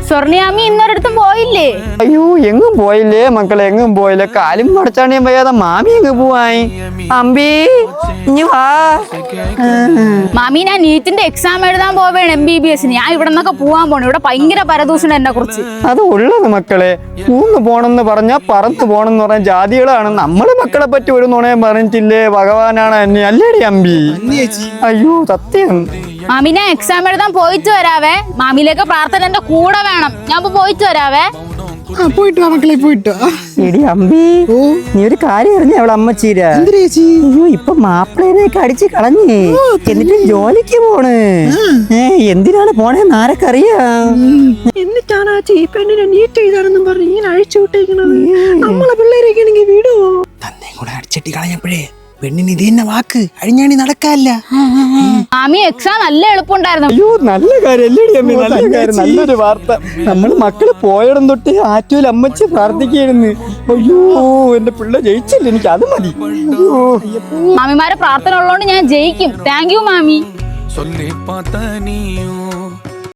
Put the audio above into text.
സ്വർണിയാമി ഇന്നൊരിടത്തും പോയില്ലേ? അയ്യോ എങ്ങും പോയില്ലേ മക്കളെ, എങ്ങും പോയില്ല. കാലും മടച്ചാണിയും വയ്യാതെ മാമി എങ്ങ് പോവായി. അമ്പി ഇനി വാ. മാമി, ഞാൻ നീറ്റിന്റെ എക്സാം എഴുതാൻ പോവേണ് MBBS. ഞാൻ ഇവിടെ നിന്നൊക്കെ പോവാൻ പോണു. ഇവിടെ ഭയങ്കര പരദൂഷണം എന്നെ കുറിച്ച്. അത് ഉള്ളത് മക്കളെ. ഊന്ന് പോണെന്ന് പറഞ്ഞാ പറത്ത് പോണെന്ന് പറഞ്ഞ ജാതികളാണ്. നമ്മള് മക്കളെ പറ്റി ഒരു നുണയും പറഞ്ഞിട്ടില്ലേ? ഭഗവാനാണ് എന്നെ, അല്ലേടി അമ്പി? അയ്യോ സത്യം. മാമി, ഞാൻ എക്സാം എഴുതാൻ പോയിട്ട് വരാവേ. മാമിയിലേക്ക് പ്രാർത്ഥന എന്റെ കൂടെ വേണം. ഞാൻ പോയിട്ട് വരാവേ. പോയിട്ട് വാ മക്കളെ, പോയിട്ട് എടി അമ്പി, നീ ഒരു കാര്യം അറിഞ്ഞ അവളെ അമ്മച്ചീര? അയ്യോ ഇപ്പൊ മാപ്പിളേനെയൊക്കെ അടിച്ച് കളഞ്ഞേ, എന്നിട്ട് ജോലിക്ക് പോണ്. എന്തിനാണ് പോണേന്ന് ആരൊക്കറിയാം? എന്നിട്ടാണ് ആ ചീപ്പെണ്ണിനെ നീറ്റ് എഴുതാനെന്നും പറഞ്ഞ് ഇങ്ങനെ അഴിച്ചു വിട്ടേക്കണത്. നമ്മളെ പിള്ളേരൊക്കെ ആണെങ്കിൽ വിടുവോ? തന്നെ കൂടെ അടിച്ചിട്ട് കളഞ്ഞപ്പോഴേ പെണ്ണിന് ഇത് തന്നെ വാക്ക് അഴിഞ്ഞാണി നടക്കാല്ല. മാമി, എക്സാം നല്ല എളുപ്പമുണ്ടായിരുന്നു. അയ്യോ നല്ല കാര്യം അല്ലേടി അമ്മ, നല്ല കാര്യം, നല്ലൊരു വാർത്ത. നമ്മള് മക്കള് പോയിടം തൊട്ട് ആറ്റൂൽ അമ്മച്ചി പ്രാർത്ഥിക്കായിരുന്നു. അയ്യോ എന്റെ പിള്ളേ ജയിച്ചില്ല, എനിക്ക് അത് മതി. മാമിമാരെ പ്രാർത്ഥന ഉള്ളതുകൊണ്ട് ഞാൻ ജയിക്കും. താങ്ക് യു മാമി. சொல்லி பார்த்த நீயும்